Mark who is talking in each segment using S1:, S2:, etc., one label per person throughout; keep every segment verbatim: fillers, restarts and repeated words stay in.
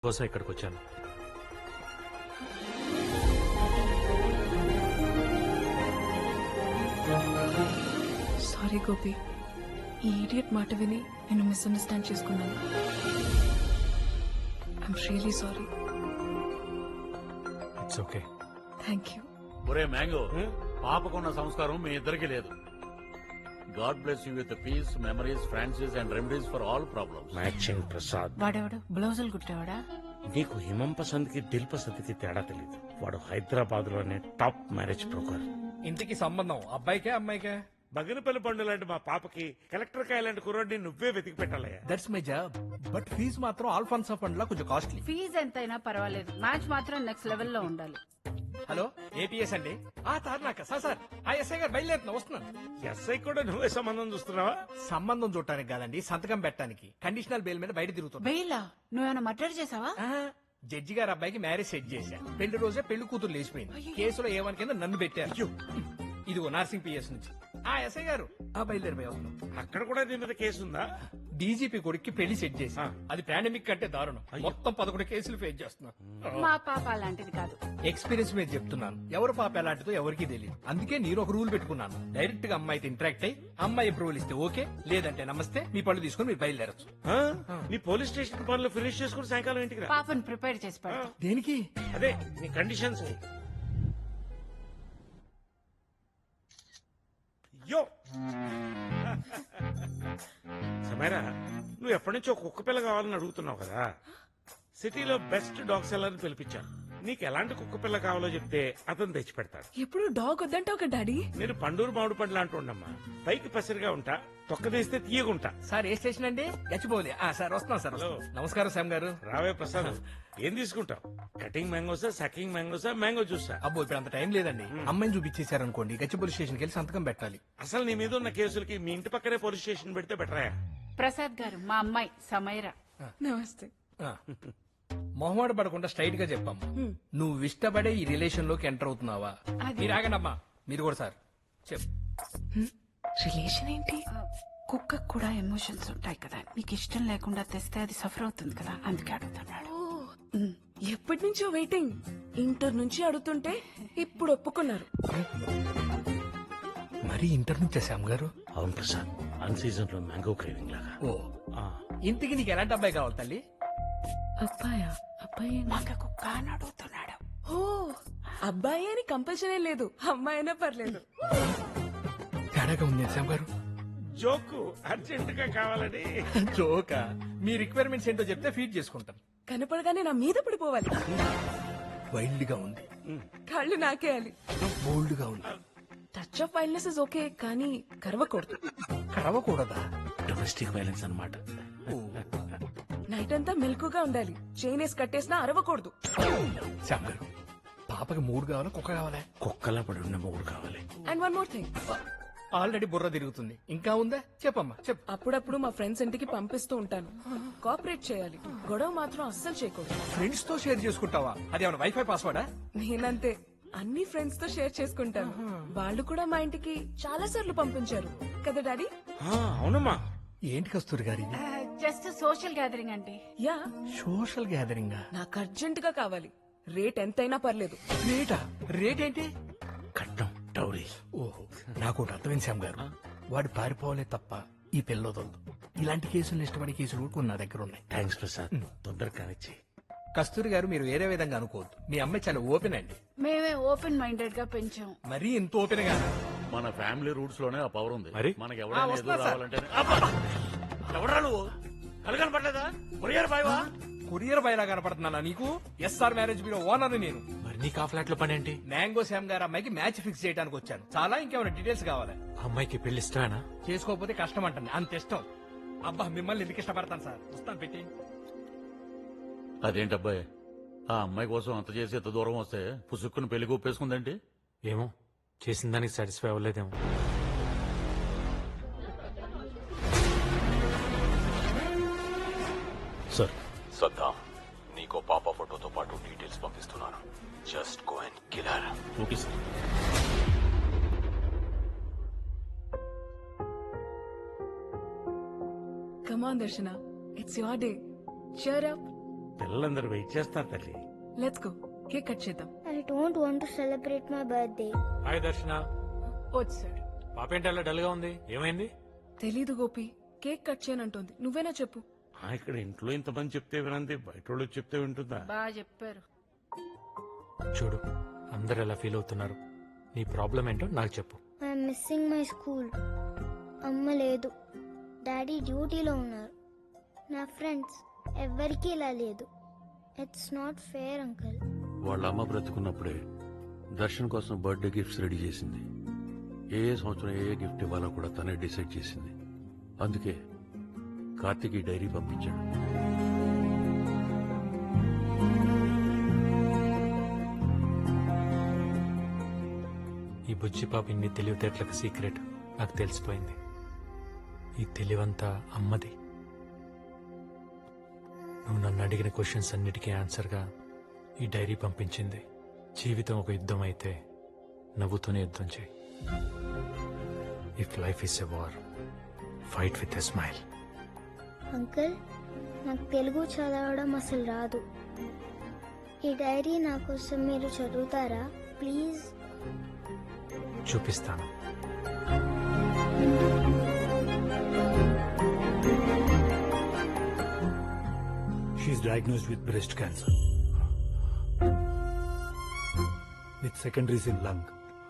S1: కోసం ఇక్కడికి వచ్చాను.
S2: సారీ గోపి, ఈ ఈడియట్ మాట విని నేను మిస్అండర్స్టాండ్ చేసుకున్నాను. I'm really sorry.
S1: It's okay.
S2: Thank you.
S3: ఒరే మ్యాంగో, పాపకున్న సంస్కారం మీ ఇద్దరికి లేదు. God bless you with peace, memories, Francis and remedies for all problems.
S4: Matching Prasad.
S5: వాడెవడు బ్లౌజులు కుట్టేవాడా?
S4: నీకు హిమం పసంద్ కి దిల్ పసంద్ కి తేడా తెలియదు. వాడు హైదరాబాద్ లోనే టాప్ మ్యారేజ్ బ్రోకర్.
S6: ఇంటికి సంబంధం అబ్బాయికే అమ్మాయికే?
S4: బగినపల్లి పండు లాంటి మా పాపకి కలెక్టర్ కాయ లాంటి కుర్రాడిని నువ్వే వెతికి పెట్టాలయ్యా.
S6: That's my job. But fees మాత్రం ఆల్ఫాన్సా ఫండ్ లా కొంచెం కాస్ట్లీ.
S5: ఫీజు ఎంతైనా పర్వాలేదు, మ్యాచ్ మాత్రం నెక్స్ట్ లెవెల్ లో ఉండాలి.
S6: హలో, ఏపీఎస్ అండి. ఆ తార్నాక సార్ సార్ ఆ ఎస్ఐ గారు బయలుదేరుతున్నా, వస్తున్నాను.
S4: ఎస్ఐ కూడా నువ్వే సంబంధం చూస్తున్నావా?
S6: సంబంధం చూడటానికి కాదండి, సంతకం పెట్టడానికి. కండిషనల్ బెయిల్ మీద బయట తిరుగుతున్నా.
S5: బెయిలా? నువ్వేమైనా మర్డర్ చేసావా?
S6: ఆహా, జడ్జి గారు అబ్బాయికి మ్యారేజ్ సెట్ చేశా. పెళ్లి రోజే పెళ్లి కూతురు లేచిపోయింది. కేసులో ఏమని కింద నన్ను పెట్టారు. ఇదిగో నర్సింగ్ పిఎస్ నుంచి. ఆ ఎస్ఐ గారు ఆ బయలుదేరిపోయి వస్తున్నాం.
S4: అక్కడ కూడా నీ మీద కేసు ఉందా?
S6: డీజీపీ కొడుక్కి పెళ్లి సెట్ చేసి అది పాండమిక్ కంటే దారుణం. మొత్తం పదకొండు కేసులు ఫేస్ చేస్తున్నా.
S5: మా పాప అలాంటిది కాదు.
S6: ఎక్స్పీరియన్స్ మీద చెప్తున్నాను. ఎవరు పాప ఎలాంటిదో ఎవరికి తెలియదు. అందుకే నేను ఒక రూల్ పెట్టుకున్నాను. డైరెక్ట్ గా అమ్మాయితో ఇంటరాక్ట్ అయ్యి అమ్మాయి అప్రూవల్ ఇస్తే ఓకే, లేదంటే నమస్తే, మీ పళ్ళు తీసుకుని మీరు బయలుదేరచ్చు.
S4: ఆ? నీ పోలీస్ స్టేషన్ పనులు ఫినిష్ చేసుకుని సాయంకాలం ఇంటికి రా.
S5: పాపను ప్రిపేర్ చేసి పెడతా.
S6: దేనికి?
S4: అదే నీ కండిషన్స్. యో సమీరా, నువ్వు ఎప్పటి నుంచో కుక్క పిల్ల కావాలని అడుగుతున్నావు కదా. సిటీలో బెస్ట్ డాగ్ సెల్లర్ ని పిలిపించాను. నీకు ఎలాంటి కుక్క పిల్ల కావాలో చెప్తే అతను తెచ్చి పెడతాడు.
S2: ఎప్పుడు డాగ్ వద్దంటావు కదా డాడీ.
S4: నేను పండూరు మామిడి పండ్లు అంటూ ఉండమ్మా. పైకి పసిరిగా ఉంటా, తొక్క తీస్తే తీయగుంటా.
S6: సార్ ఏ స్టేషన్ అండి? గచ్చిపోలే. ఆ సార్ వస్తున్నాం సార్.
S4: హలో.
S6: నమస్కారం శ్యామ్ గారు.
S4: రావే ప్రసాద్, ఏం తీసుకుంటావు? కటింగ్ మ్యాంగోసా, సకింగ్ మ్యాంగోసా, మ్యాంగో జ్యూసా?
S6: అబ్బో ఇప్పుడు అంత టైం లేదండి. అమ్మాయిని చూపించేశారు అనుకోండి, గచ్చిపోలి స్టేషన్కి వెళ్ళి సంతకం పెట్టాలి.
S4: అసలు నీ మీద ఉన్న కేసులకి మీ ఇంటి పక్కనే పోలీస్ స్టేషన్ పెడితే బెటరాయా?
S5: ప్రసాద్ గారు మా అమ్మాయి సమైరా.
S2: నమస్తే.
S6: ఆ. మొహమాట పడకుండా స్ట్రైట్ గా చెప్పమ్మా, నువ్వు ఇష్టపడే ఈ రిలేషన్ లోకి ఎంటర్ అవుతున్నావా?
S5: అది-
S6: మీరు ఆగండమ్మా, మీరు కూడా సార్ చెప్పు.
S2: రిలేషన్ ఏంటి?
S5: కుక్కకు కూడా ఎమోషన్స్ ఉంటాయి కదా, నీకు ఇష్టం లేకుండా తెస్తే అది సఫర్ అవుతుంది కదా, అందుకే అడుగుతున్నాడు.
S2: ఎప్పటి నుంచో వెయిటింగ్. ఇంటర్ నుంచి అడుగుతుంటే ఇప్పుడు ఒప్పుకున్నారు.
S6: మరి ఇంటర్ నుంచే శ్యామ్ గారు?
S4: అవును ప్రసాద్, అన్ సీజన్ లో మ్యాంగో క్రేవింగ్ లాగా.
S6: ఓ ఇంటికి నీకు ఎలాంటి అబ్బాయి కావాలి తల్లి?
S2: అబ్బాయా? అబ్బాయి
S5: నాకు కుక్క అని అడుగుతున్నాడు.
S2: ఓ అబ్బాయి అని కంపల్సరీ లేదు, అమ్మాయి అయినా పర్లేదు.
S6: తేడాగా ఉంది శ్యామ్ గారు.
S4: జోకు అర్జెంట్ గా కావాలని.
S6: జోకా? మీ రిక్వైర్మెంట్స్ ఏంటో చెప్తే ఫీడ్ చేసుకుంటాను.
S2: కనపడగానే నా మీద పడిపోవాలి.
S6: వైల్డ్ గా ఉంది,
S2: కాళ్ళు నాకేయాలి.
S6: బోల్డ్ గా ఉంది.
S2: Touch of wildness is okay, కానీ కరవకూడదు.
S6: కరవకూడదా?
S4: డొమెస్టిక్ వైలెన్స్ అన్నమాట.
S2: నైట్ అంతా మెలకుగా ఉండాలి. చైన్ వేసి కట్టేసినా అరవకూడదు.
S6: శ్యామ్ గారు, పాపకి మూడు కావాలా కుక్క కావాలా?
S4: కుక్కలా పడి ఉన్న మూడు కావాలి.
S2: And one more thing,
S6: already బుర్ర తిరుగుతుంది, ఇంకా ఉందా? చెప్పమ్మా చెప్పు.
S2: అప్పుడప్పుడు మా ఫ్రెండ్స్ ఇంటికి పంపిస్తూ ఉంటాను. కోఆపరేట్ చేయాలి, గొడవ మాత్రం అస్సలు చేయకూడదు.
S6: ఫ్రెండ్స్ తో షేర్ చేసుకుంటావా? అది ఏమైనా వైఫై పాస్వర్డా?
S2: నేనంతే, అన్ని ఫ్రెండ్స్ తో షేర్ చేసుకుంటాను. వాళ్ళు కూడా మా ఇంటికి చాలా సార్లు పంపించారు కదా డాడీ.
S4: ఆ, అవునమ్మా.
S6: ఏంటి కస్తూరి గారి?
S5: జస్ట్ సోషల్ గ్యాదరింగ్ అండి.
S2: Yeah,
S6: social gathering.
S2: నాకు అర్జెంట్ గా కావాలి. రేట్ ఎంతైనా పర్లేదు.
S6: రేటా? రేట్ ఏంటి?
S4: కట్నం, టౌరీ.
S6: ఓహో, నాకు ఒకటి అర్థమైంది శ్యామ్ గారు. వాడు పారిపోవాలే తప్ప ఈ పిల్లదొద్దు. ఇలాంటి కేసులు ఇష్టపడే కేసులు కూడా నా దగ్గర ఉన్నాయి.
S4: థ్యాంక్స్ ప్రసాద్, తొందరగా కానిచ్చి.
S6: కస్తూరి గారు, మీరు వేరే విధంగా అనుకోవద్దు. మీ అమ్మాయి చాలా ఓపెన్ అండి.
S5: మేమే ఓపెన్ మైండెడ్ గా పెంచాం.
S6: మరీ ఇంత ఓపెన్ గా?
S3: మన ఫ్యామిలీ రూట్స్ లోనే ఆ పవర్ ఉంది.
S1: మరి?
S3: మనకి
S6: ఆ,
S3: ఎవరైనా
S6: వస్తున్నా
S3: ఎదురు
S6: సార్.
S3: రావాలంటే ఎవడరా నువ్వు? కలగని పడలేదా? కొరియర్ బాయ్వా?
S6: కొరియర్ బయలా కనపడుతున్నానా నీకు? ఎస్ఆర్ మ్యారేజ్ బ్యూరో ఓనర్ నేను.
S1: మరి నీకు ఆ ఫ్లాట్ లో పని ఏంటి?
S6: మ్యాంగో శ్యామ్ గారు అమ్మాయికి మ్యాచ్ ఫిక్స్ చేయడానికి వచ్చాను. చాలా ఇంకేమైనా డీటెయిల్స్ కావాలి?
S1: ఆ అమ్మాయికి పెళ్లి ఇష్టమేనా?
S6: చేసుకోకపోతే కష్టం అంటుంది, అంత ఇష్టం. అబ్బా, మిమ్మల్ని ఎందుకు ఇష్టపడతాను సార్. వస్తాను, పెట్టి.
S3: అదేంటి అబ్బాయి, ఆ అమ్మాయి కోసం అంత చేసి ఎంత దూరం వస్తే పుసుక్కుని పెళ్లి ఒప్పేసుకుందేంటి?
S1: ఏమో, చేసిన దానికి సాటిస్ఫై అవ్వలేదేమో.
S3: సార్,
S7: సద్దాం, నీకో పాప ఫోటోతో పాటు డీటెయిల్స్ పంపిస్తున్నాను. Just go and kill her.
S3: Okay sir.
S2: Come on, Darshana. It's your day. Cheer up.
S4: పిల్లలందరూ వెయిట్ చేస్తారు తల్లి.
S2: లెట్స్ గో, కేక్ కట్ చేద్దాం.
S8: I don't want to celebrate my birthday.
S1: Hi Darshana.
S2: వచ్చాడు.
S1: పాప ఏంటి అలా డల్ గా ఉంది? ఏమైంది?
S2: తెలీదు గోపి, కేక్ కట్ చేయనంటోంది. నువ్వేనా చెప్పు.
S4: ఆ, ఇక్కడ ఇంట్లో ఇంతమంది చెప్తే వినంది, బయట వాళ్ళు చెప్తే వింటుందా?
S5: బాగా చెప్పారు.
S1: చూడు, అందరు ఎలా ఫీల్ అవుతున్నారు. నీ ప్రాబ్లం ఏంటో నాకు చెప్పు.
S8: I'm missing my school. అమ్మ లేదు, డాడీ డ్యూటీలో ఉన్నారు. నా ఫ్రెండ్స్ ఎవ్వరికీ ఇలా లేదు. It's not fair uncle.
S3: వాళ్ళ అమ్మ బ్రతుకున్నప్పుడే దర్శన్ కోసం బర్త్డే గిఫ్ట్స్ రెడీ చేసింది. ఏ ఏ సంవత్సరం ఏ ఏ గిఫ్ట్ ఇవ్వాలో కూడా తనే డిసైడ్ చేసింది. అందుకే కార్తీక్ ఈ డైరీ పంపించాడు.
S1: ఈ బుజ్జి పాప ఇన్ని తెలివితేటలకు సీక్రెట్ నాకు తెలిసిపోయింది. ఈ తెలివంతా అమ్మది. నువ్వు నన్ను అడిగిన క్వశ్చన్స్ అన్నిటికీ ఆన్సర్గా ఈ డైరీ పంపించింది. జీవితం ఒక యుద్ధం అయితే నవ్వుతూనే యుద్ధం చేయి. If life is a war, fight with a smile.
S8: Uncle, నాకు తెలుగు చదవడం అసలు రాదు. ఈ డైరీ నా కోసం మీరు చదువుతారా ప్లీజ్?
S1: చూపిస్తాను.
S9: She is diagnosed with breast cancer with secondaries in lung.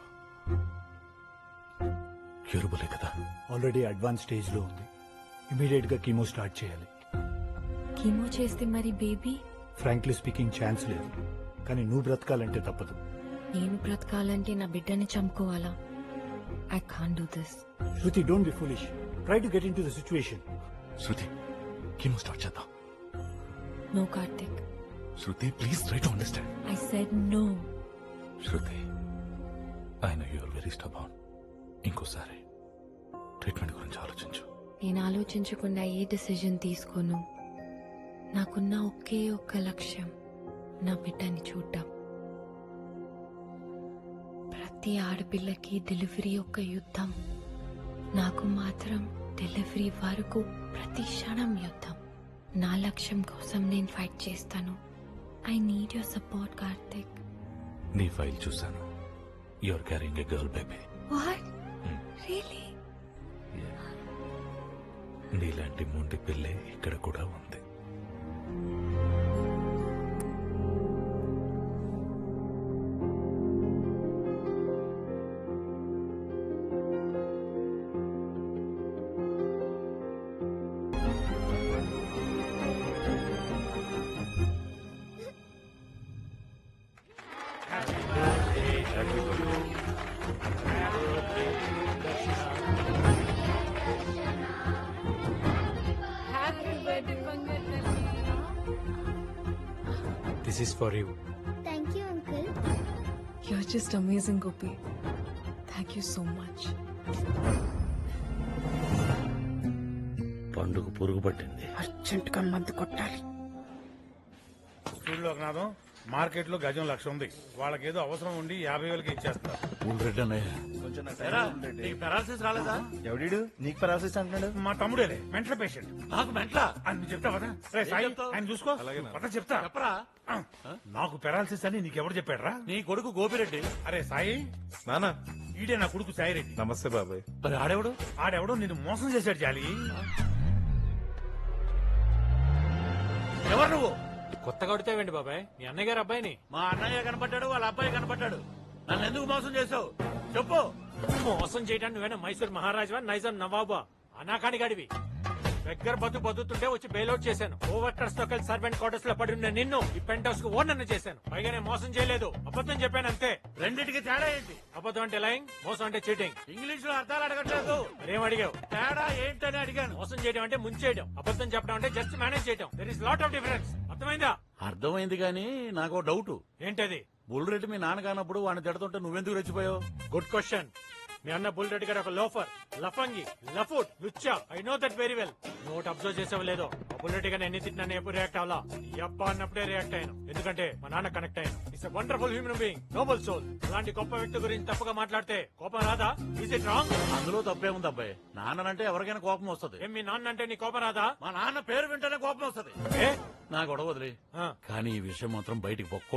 S3: క్యూరబులే కదా?
S9: ఆల్రెడీ అడ్వాన్స్ స్టేజ్ లో ఉంది. ఇమీడియట్ గా కీమో స్టార్ట్ చేయాలి.
S10: కీమో చేస్తే మరి బేబీ?
S9: ఫ్రాంక్లీ స్పీకింగ్ ఛాన్స్ లేదు, కానీ నువ్వు బ్రతకాలంటే తప్పదు.
S10: నేను బ్రతకాలంటే నా బిడ్డని చంపుకోవాలా? I can't do this.
S9: Shruti, don't be foolish. Try to get into the situation.
S7: Shruti, chemo start చేద్దాం.
S10: No Karthik,
S7: Shruti, please try to understand.
S10: I said no.
S7: Shruti, I know you are very stubborn. ఇంకోసారి ట్రీట్మెంట్ గురించి ఆలోచించు.
S10: నేను ఆలోచించకుండా ఏ decision తీసుకోను. నాకున్న ఒకే ఒక్క లక్ష్యం నా బిడ్డని చూడ్డం. ప్రతి ఆడపిల్లకి డెలివరీ ఒక యుద్ధం. నాకు మాత్రం డెలివరీ వరకు ప్రతి క్షణం యుద్ధం. నా లక్ష్యం కోసం నేను ఫైట్ చేస్తాను. I need your support Karthik.
S7: నీ ఫైల్ చూసాను. You are carrying a girl baby.
S10: What? Really?
S7: నీలాంటి మొండి పిల్లే ఇక్కడ కూడా ఉంది.
S1: This is for you.
S8: Thank you uncle.
S2: You're just amazing Gopi. Thank you so much.
S4: పండుగ పురుగు పట్టింది.
S5: అర్జెంట్ గా మందు కొట్టాలి.
S11: స్కూల్లో నాదం మార్కెట్ లో గజం లక్ష ఉంది. వాళ్ళకేదో అవసరం ఉండి యాభై వేలకి ఇచ్చేస్తారు.
S3: రెడ్డి అన్నయ్య,
S6: పెరాలసిస్ రాలేదా?
S11: ఎవడీడు నీకు పెరాలసిస్ అంటున్నాడు? మా తమ్ముడేలే, మెంటల్ పేషెంట్.
S6: నాకు మెంట్లా?
S11: అని చెప్తా కదా. రే సాయి,
S6: చెప్తావ్?
S11: ఆయన చూసుకో. పద చెప్తా.
S6: చెప్పరా?
S11: ఆ, నాకు పెరాలసిస్ అని నీకెవరు చెప్పాడ్రా?
S6: నీ కొడుకు గోపిరెడ్డి.
S11: అరే సాయి,
S6: నానా,
S11: ఈడే నా కొడుకు సాయిరెడ్డి.
S6: నమస్తే బాబాయ్. మరి ఆడేవాడు?
S11: ఆడెవడో నిన్ను మోసం చేశాడు జాలి.
S6: ఎవరు నువ్వు?
S1: కొత్తగా కొడితేవండి బాబాయ్, మీ అన్నయ్య గారు అబ్బాయిని.
S6: మా అన్నయ్య కనపడ్డాడు, వాళ్ళ అబ్బాయి కనపడ్డాడు. నన్ను ఎందుకు మోసం చేసావు చెప్పు.
S1: మోసం చేయడానికి నువ్వేనా మైసూర్ మహారాజా, నైజాం నవాబా? అనాకాని గడివి. దగ్గర బతు బతుతుంటే వచ్చి బెయిల్అవుట్ చేశాను. ఓవర్కర్స్ తో కలిసి సర్వెంట్ క్వార్టర్స్ లో పడి ఉన్న నిన్ను ఈ పెంట్ హౌస్ కు ఓనర్ చేశాను. పైగా నేను మోసం చేయలేదు, అబద్ధం చెప్పాను అంతే.
S6: రెండింటికి తేడా ఏంటి?
S1: అబద్ధం అంటే లైంగ్, మోసం అంటే చీటింగ్.
S6: ఇంగ్లీష్ లో అర్థాలు అడగట్లేదు.
S1: మరేం అడిగావు?
S6: తేడా ఏంటని అడిగాను.
S1: మోసం చేయడం అంటే ముంచేయడం, అబద్ధం చెప్పడం అంటే జస్ట్ మేనేజ్ చేయడం. There is lot of difference. అర్థమైందా?
S3: అర్థమైంది కానీ నాకు డౌట్.
S1: ఏంటది?
S3: బుల్రెడ్డి మీ నాన్న కానప్పుడు వాడిని తిడుతుంటే నువ్వెందుకు రెచ్చిపోయావు?
S1: Good question. మీ అన్న బుల్ రెడ్డి గారు ఒక లోఫర్ లఫంగి లఫుట్ లుచ్చా I know that very well note observe చేసావు లేదో ఆ బుల్ రెడ్డి గారిని ఎన్ని తిట్టినా ఎప్పుడు రియాక్ట్ అవ్వాలా యప్ప అన్నప్పుడే రియాక్ట్ అయ్యాను ఎందుకంటే మా నాన్న కనెక్ట్ అయ్యాను it's wonderful human being noble soul అలాంటి గొప్ప వ్యక్తి గురించి తప్పుగా మాట్లాడితే కోపం రాదా ఈజ్ ఇట్ రాంగ్?
S11: అందులో తప్పే ఉంది అబ్బాయి నాన్నంటే ఎవరికైనా కోపం వస్తుంది
S1: ఏం మీ నాన్న అంటే నీ కోపం రాదా?
S11: మా నాన్న పేరు వింటేనే కోపం వస్తుంది
S1: ఏ
S11: నా గొడవ వదిలే
S1: ఆ.
S11: కానీ ఈ విషయం మాత్రం బయటికి పొక్కో